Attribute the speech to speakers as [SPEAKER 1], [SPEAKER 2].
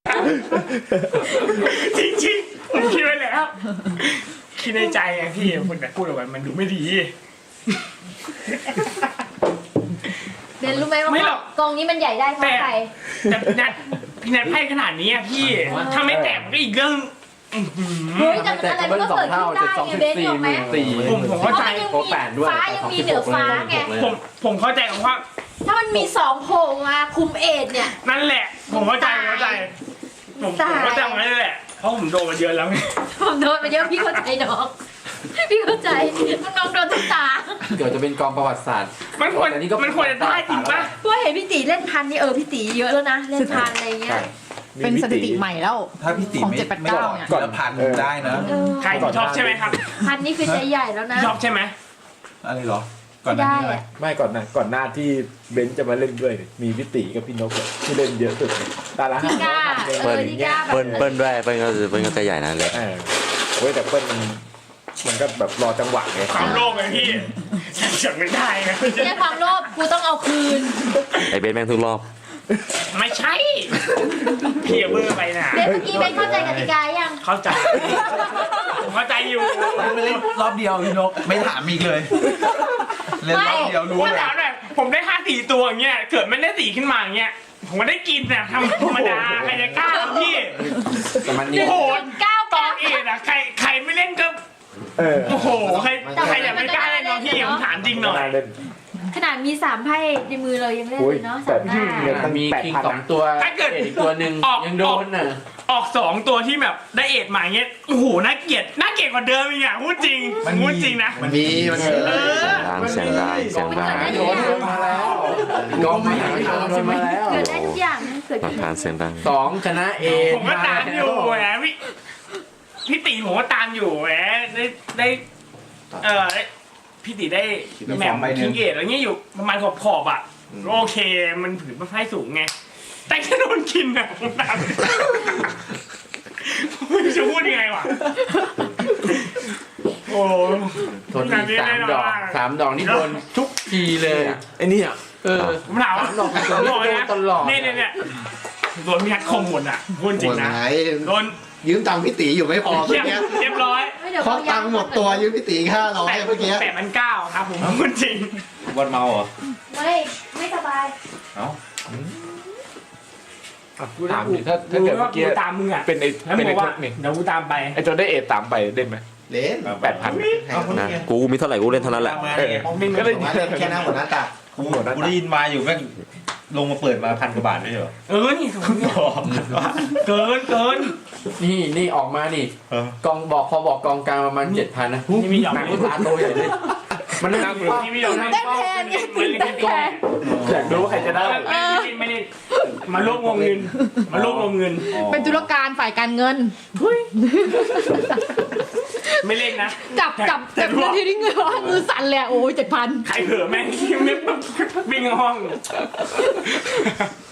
[SPEAKER 1] จริงๆผมคิดไว้แล้วคิดในใจไงพี่คุณแต่พูดออกมามันดูไม่ดี
[SPEAKER 2] เบนรู้ไหมว่ากองนี้มันใหญ่ได้เพราะใคร
[SPEAKER 1] แต่พี่นัทให้ขนาดนี้พี่ถ้าไม่แตกก็อีกเรื่อง
[SPEAKER 2] เฮ้ยแต่อะไรมันก็เกิดขึ้นได้ไงเบนถูกไหม
[SPEAKER 1] ผมเข้าใจ
[SPEAKER 2] ฟ้ายังมีเหนือฟ้าไง
[SPEAKER 1] ผมเข้าใจว่า
[SPEAKER 2] ถ้ามันมี2โผล่มาคุมเอทเนี่ย
[SPEAKER 1] นั่นแหละผมเข้าใจผมเข้าใจมันนั่นแหละเพราะผมโดนมาเยอะแล้วไง
[SPEAKER 2] ผมโดนมาเยอะพี่เข้าใจน้องพี่เข้าใจน้องโดนทุกตา
[SPEAKER 3] เดี๋ยวจะเป็นกองประวัติศาสตร์
[SPEAKER 1] มันควรจะได้จริงป่ะ
[SPEAKER 2] เพราะเห็นพี่ตีเล่นพันนี่พี่ตีเยอะแล้วนะเล่นพันอะไรเงี้ย
[SPEAKER 4] เป็นสถิติใหม่แล้ว
[SPEAKER 5] ถ้าพี่ตีไม่ออกก่อนละพันได้นะ
[SPEAKER 1] ใครชอบใช่ไหมครับ
[SPEAKER 2] พันนี่คือใจใหญ่แล้วนะ
[SPEAKER 1] ชอบใช่ไหม
[SPEAKER 5] อะไรหรอก่อนหน้านี้อะไร
[SPEAKER 6] ไม่ก่อนหน้าที่เบนจะมาเล่นด้วยมีพี่ตีกับพี่นกที่เล่นเยอะสุดตาละ
[SPEAKER 2] 5เปิ้
[SPEAKER 7] ลด้วยเปิ้ลก็ใจใหญ่นะเลย
[SPEAKER 6] เว้ยแต่เปิ้ลมันก็แบบรอจังหวะไง
[SPEAKER 1] ความโลภไงพี่ฉันไม่ได้ไง
[SPEAKER 2] แค่ความโลภกูต้องเอาคืน
[SPEAKER 7] ไอเบนแม่งทุกรอบ
[SPEAKER 1] ไม่ใช่พี่เบอร์ไปนะ
[SPEAKER 2] เบนเมื่อกี้เบนเข้าใจกติกายัง
[SPEAKER 1] เข้าใจผมเข้าใจอยู่
[SPEAKER 5] ไม่เล่นรอบเดียวพี่นกไม่ถามอีกเลยเล่นรอบเดียวรู้เลย
[SPEAKER 1] ผมได้5-4ตัวอย่างเงี้ยเกิดไม่ได้4ขึ้นมาอย่างเงี้ยผมก็ได้กินนะธรรมดาใครจะกล้าพี่โหดตองเอ็ดอะใครไม่เล่นก็โอ้โหใครอยากไม่กล้าเล่นน้องพี่ผมถามจริงหน่อย
[SPEAKER 2] ขนาดมี3ไพ่ในมือเรายังเล่นเลยเนาะ3หน้า
[SPEAKER 3] มีคิง2ตัว
[SPEAKER 1] ถ้าเกิด
[SPEAKER 3] อีกตัวหนึ่งยังโดนน่ะ
[SPEAKER 1] ออก2ตัวที่แบบได้เอ็ดมาเงี้ยโอ้โหน่าเกลียดกว่าเดิมอีกอ่ะพูดจริงนะ
[SPEAKER 5] มันมี
[SPEAKER 7] เสียงดัง
[SPEAKER 3] โดนมาแล้วกองมาแล้ว
[SPEAKER 2] เกิดได้ทุกอย่างเกิด
[SPEAKER 7] ผ่านเสียงดัง
[SPEAKER 3] 2ชนะเอ
[SPEAKER 1] ผมก็ตามอยู่แหมพี่ตีผมก็ตามอยู่แหมได้พี่ตีได้แหม่มคิงเกตอะไรเงี้ยอยู่ประมาณขอบอ่ะโอเคมันผืนไพ่สูงไงแต่แค่โดนกินอ่ะผมตามไม่จะพูดยังไงวะโอ้
[SPEAKER 3] ทนอีก3 ดอกนี่โดนทุกทีเลย
[SPEAKER 6] ไอ้นี่
[SPEAKER 1] ผมถามว่าโดนตลอดเนี่ยโดนพี่ฮัทคมหมดอ่ะพูดจริงนะโดน
[SPEAKER 5] ยืมตังค์พี่ตีอยู่ไม่พอเมื่อกี้
[SPEAKER 1] เรียบร้อย
[SPEAKER 5] เพราะตังค์หมดตัวยืมพี่ตี500เมื่อกี้
[SPEAKER 1] 8,900ครับผมพูดจริง
[SPEAKER 5] วันเมาเหรอ
[SPEAKER 2] ไม่สบาย
[SPEAKER 6] ถามดิถ้าเกิดเมื่อกี้
[SPEAKER 1] ตามมึงอ่ะ
[SPEAKER 6] เป็นไอ้ทศนี่
[SPEAKER 1] เดี๋ยวกูตามไป
[SPEAKER 6] ไอ้จนได้เอตามไปเล่นไหม
[SPEAKER 5] เล่น
[SPEAKER 6] 8,000
[SPEAKER 7] นะกูมีเท่าไหร่กูเล่นเท่านั้นแหละ
[SPEAKER 5] ก็เลยแค่หน้าหัวหน้าตากูได้ยินมาอยู่แม่งลงมาเปิดมา1,000 กว่าบาทไม่ใช่เหรอ
[SPEAKER 1] นี่เกิน
[SPEAKER 3] นี่ออกมานี่กองพอบอกกองกลางประมาณ 7,000 นะ
[SPEAKER 1] นี่มีหยอก
[SPEAKER 3] หนังตาโตใหญ่เลย
[SPEAKER 1] มันนั่งนี่มีหยอกนั่ง
[SPEAKER 2] แทน
[SPEAKER 6] อยากรู้ว่าใครจะได้
[SPEAKER 1] ไม่ได้มาร่วมวงเงิน
[SPEAKER 4] เป็นธุรการฝ่ายการเงิน
[SPEAKER 1] ไม่เล่นนะ
[SPEAKER 4] จับเงินที่เงินมือสั่นเลยโอ้ย7,000
[SPEAKER 1] ใครเผลอแม่งวิ่งห้อง